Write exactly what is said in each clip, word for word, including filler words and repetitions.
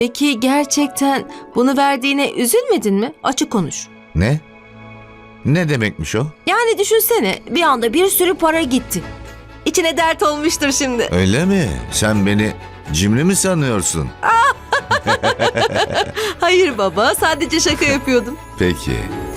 Peki gerçekten bunu verdiğine üzülmedin mi? Açık konuş. Ne? Ne demekmiş o? Yani düşünsene, bir anda bir sürü para gitti. İçine dert olmuştur şimdi. Öyle mi? Sen beni cimri mi sanıyorsun? Hayır baba, sadece şaka yapıyordum. Peki.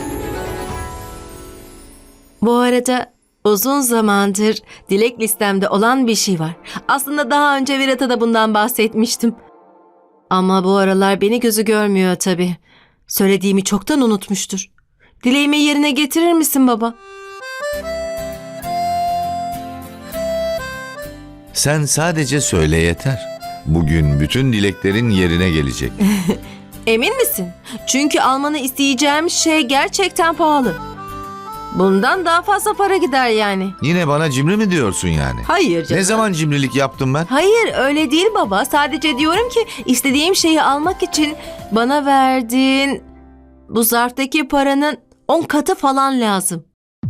Bu arada uzun zamandır dilek listemde olan bir şey var. Aslında daha önce Virat'a da bundan bahsetmiştim. Ama bu aralar beni gözü görmüyor tabii. Söylediğimi çoktan unutmuştur. Dileğimi yerine getirir misin baba? Sen sadece söyle yeter. Bugün bütün dileklerin yerine gelecek. Emin misin? Çünkü almanı isteyeceğim şey gerçekten pahalı. Bundan daha fazla para gider yani. Yine bana cimri mi diyorsun yani? Hayır canım. Ne zaman cimrilik yaptım ben? Hayır öyle değil baba. Sadece diyorum ki istediğim şeyi almak için bana verdiğin bu zarftaki paranın on katı falan lazım.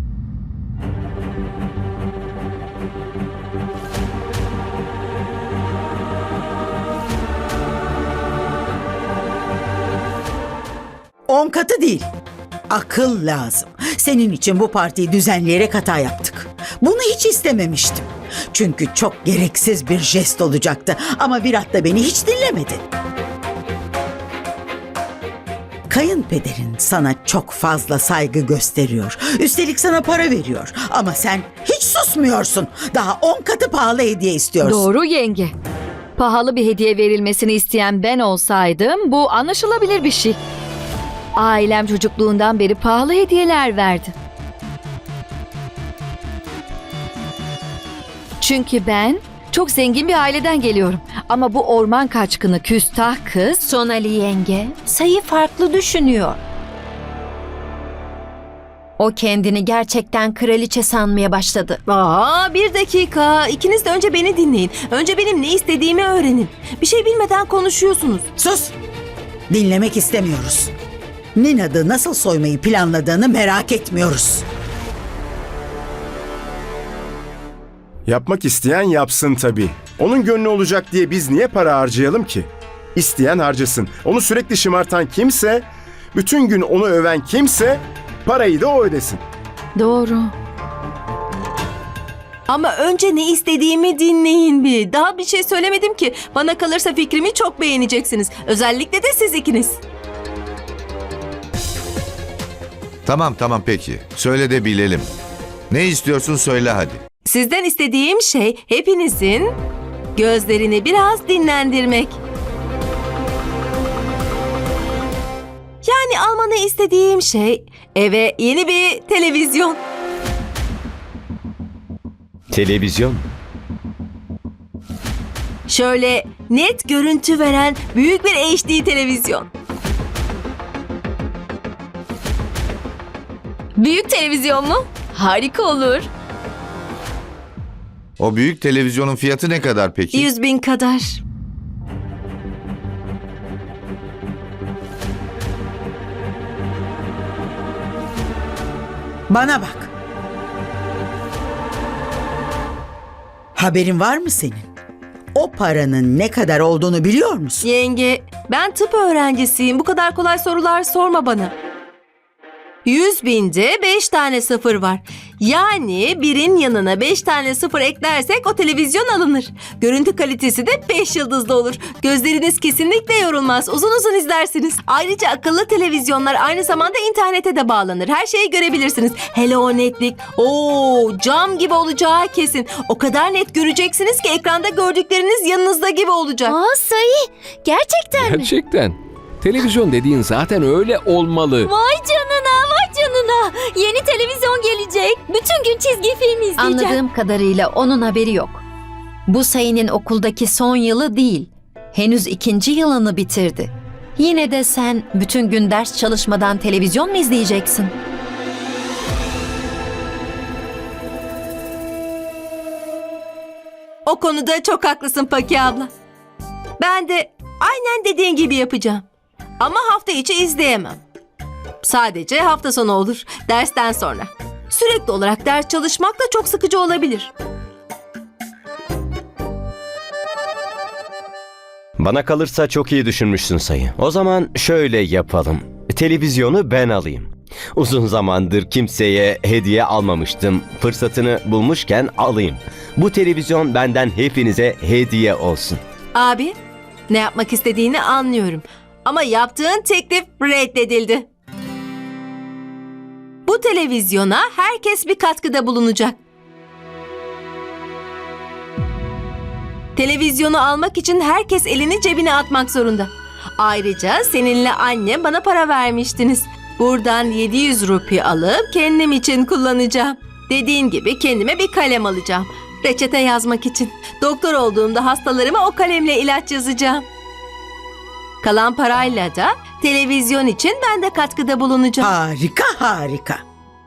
On katı değil. Akıl lazım. Senin için bu partiyi düzenleyerek hata yaptık. Bunu hiç istememiştim. Çünkü çok gereksiz bir jest olacaktı. Ama Virat da beni hiç dinlemedi. Kayınpederin sana çok fazla saygı gösteriyor. Üstelik sana para veriyor. Ama sen hiç susmuyorsun. Daha on katı pahalı hediye istiyorsun. Doğru yenge. Pahalı bir hediye verilmesini isteyen ben olsaydım bu anlaşılabilir bir şey. Ailem çocukluğundan beri pahalı hediyeler verdi. Çünkü ben çok zengin bir aileden geliyorum. Ama bu orman kaçkını küstah kız Sonali yenge sayı farklı düşünüyor. O kendini gerçekten kraliçe sanmaya başladı. Aa, bir dakika. İkiniz de önce beni dinleyin. Önce benim ne istediğimi öğrenin. Bir şey bilmeden konuşuyorsunuz. Sus! Dinlemek istemiyoruz. Ninad'ı nasıl soymayı planladığını merak etmiyoruz. Yapmak isteyen yapsın tabii. Onun gönlü olacak diye biz niye para harcayalım ki? İsteyen harcasın. Onu sürekli şımartan kimse, bütün gün onu öven kimse parayı da o ödesin. doğru. Ama önce ne istediğimi dinleyin bir. Daha bir şey söylemedim ki. Bana kalırsa fikrimi çok beğeneceksiniz. Özellikle de siz ikiniz. Tamam tamam peki. Söyle de bilelim. Ne istiyorsun söyle hadi. Sizden istediğim şey hepinizin gözlerini biraz dinlendirmek. Yani almanı istediğim şey eve yeni bir televizyon. Televizyon. Şöyle net görüntü veren büyük bir H D televizyon. Büyük televizyon mu? Harika olur. O büyük televizyonun fiyatı ne kadar peki? Yüz bin kadar. Bana bak. Haberin var mı senin? O paranın ne kadar olduğunu biliyor musun? Yenge, ben tıp öğrencisiyim. Bu kadar kolay sorular sorma bana. Yüz binde beş tane sıfır var. Yani birin yanına beş tane sıfır eklersek o televizyon alınır. Görüntü kalitesi de beş yıldızlı olur. Gözleriniz kesinlikle yorulmaz. Uzun uzun izlersiniz. Ayrıca akıllı televizyonlar aynı zamanda internete de bağlanır. Her şeyi görebilirsiniz. Hele o netlik. Oo, cam gibi olacağı kesin. O kadar net göreceksiniz ki ekranda gördükleriniz yanınızda gibi olacak. Aa sayı. Gerçekten mi? Gerçekten. Televizyon dediğin zaten öyle olmalı. Vay canına vay canına. Yeni televizyon gelecek. Bütün gün çizgi film izleyeceğim. Anladığım kadarıyla onun haberi yok. Bu sayının okuldaki son yılı değil. Henüz ikinci yılını bitirdi. Yine de sen bütün gün ders çalışmadan televizyon mu izleyeceksin? O konuda çok haklısın Paki abla. Ben de aynen dediğin gibi yapacağım. Ama hafta içi izleyemem. Sadece hafta sonu olur, dersten sonra. Sürekli olarak ders çalışmak da çok sıkıcı olabilir. Bana kalırsa çok iyi düşünmüşsün sayı. O zaman şöyle yapalım. Televizyonu ben alayım. Uzun zamandır kimseye hediye almamıştım. Fırsatını bulmuşken alayım. Bu televizyon benden hepinize hediye olsun. Abi, ne yapmak istediğini anlıyorum. Ama yaptığın teklif reddedildi. Bu televizyona herkes bir katkıda bulunacak. Televizyonu almak için herkes elini cebine atmak zorunda. Ayrıca seninle anne bana para vermiştiniz. Buradan yedi yüz rupi alıp kendim için kullanacağım. Dediğin gibi kendime bir kalem alacağım. Reçete yazmak için. Doktor olduğumda hastalarıma o kalemle ilaç yazacağım. Kalan parayla da televizyon için ben de katkıda bulunacağım. Harika harika.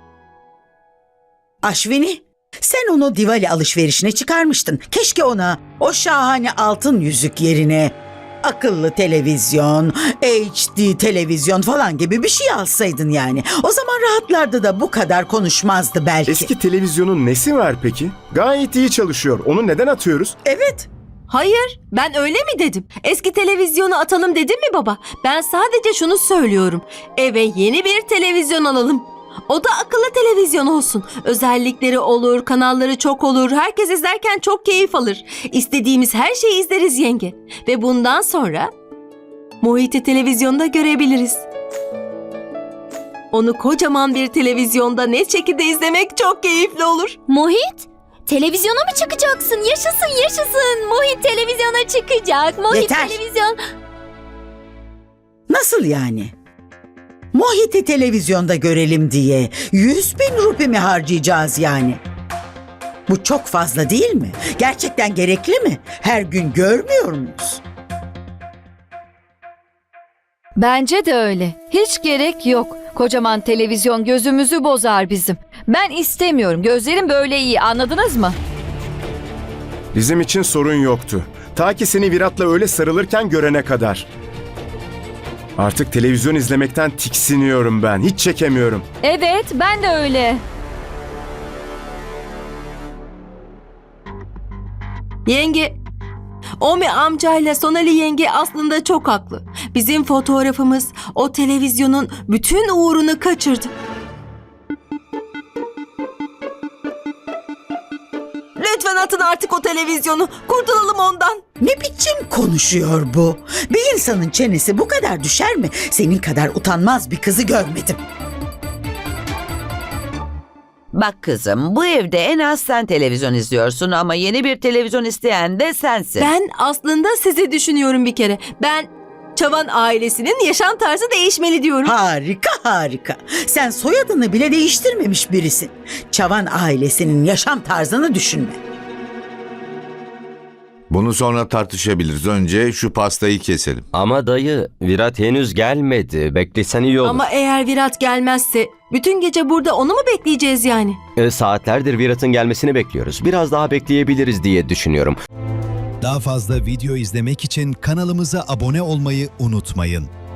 Aşvini, sen onu Diwali alışverişine çıkarmıştın. Keşke ona o şahane altın yüzük yerine akıllı televizyon, H D televizyon falan gibi bir şey alsaydın yani. O zaman rahatlardı da bu kadar konuşmazdı belki. Eski televizyonun nesi var peki? Gayet iyi çalışıyor. Onu neden atıyoruz? Evet. Hayır, ben öyle mi dedim? Eski televizyonu atalım dedim mi baba? Ben sadece şunu söylüyorum. Eve yeni bir televizyon alalım. O da akıllı televizyon olsun. Özellikleri olur, kanalları çok olur. Herkes izlerken çok keyif alır. İstediğimiz her şeyi izleriz yenge. Ve bundan sonra Mohit'i televizyonda görebiliriz. Onu kocaman bir televizyonda net şekilde izlemek çok keyifli olur. Mohit, televizyona mı çıkacaksın? Yaşasın yaşasın. Mohit televizyona çıkacak. Mohit Yeter. televizyon... Nasıl yani? Mohit'i televizyonda görelim diye yüz bin rupi mi harcayacağız yani? Bu çok fazla değil mi? Gerçekten gerekli mi? Her gün görmüyor muyuz? Bence de öyle. Hiç gerek yok. Kocaman televizyon gözümüzü bozar bizim. Ben istemiyorum. Gözlerim böyle iyi. Anladınız mı? Bizim için sorun yoktu. Ta ki seni Virat'la öyle sarılırken görene kadar. Artık televizyon izlemekten tiksiniyorum ben. Hiç çekemiyorum. Evet, ben de öyle. Yenge, Omi amcayla Sonali yenge aslında çok haklı. Bizim fotoğrafımız o televizyonun bütün uğrunu kaçırdı. Lütfen atın artık o televizyonu. Kurtulalım ondan. Ne biçim konuşuyor bu? Bir insanın çenesi bu kadar düşer mi? Senin kadar utanmaz bir kızı görmedim. Bak kızım, bu evde en az sen televizyon izliyorsun ama yeni bir televizyon isteyen de sensin. Ben aslında sizi düşünüyorum bir kere. Ben Çavan ailesinin yaşam tarzı değişmeli diyorum. Harika harika. Sen soyadını bile değiştirmemiş birisin. Çavan ailesinin yaşam tarzını düşünme. Bunu sonra tartışabiliriz. Önce şu pastayı keselim. Ama dayı, Virat henüz gelmedi. Beklesen iyi olur. Ama eğer Virat gelmezse bütün gece burada onu mu bekleyeceğiz yani? E, saatlerdir Virat'ın gelmesini bekliyoruz. Biraz daha bekleyebiliriz diye düşünüyorum. Daha fazla video izlemek için kanalımıza abone olmayı unutmayın.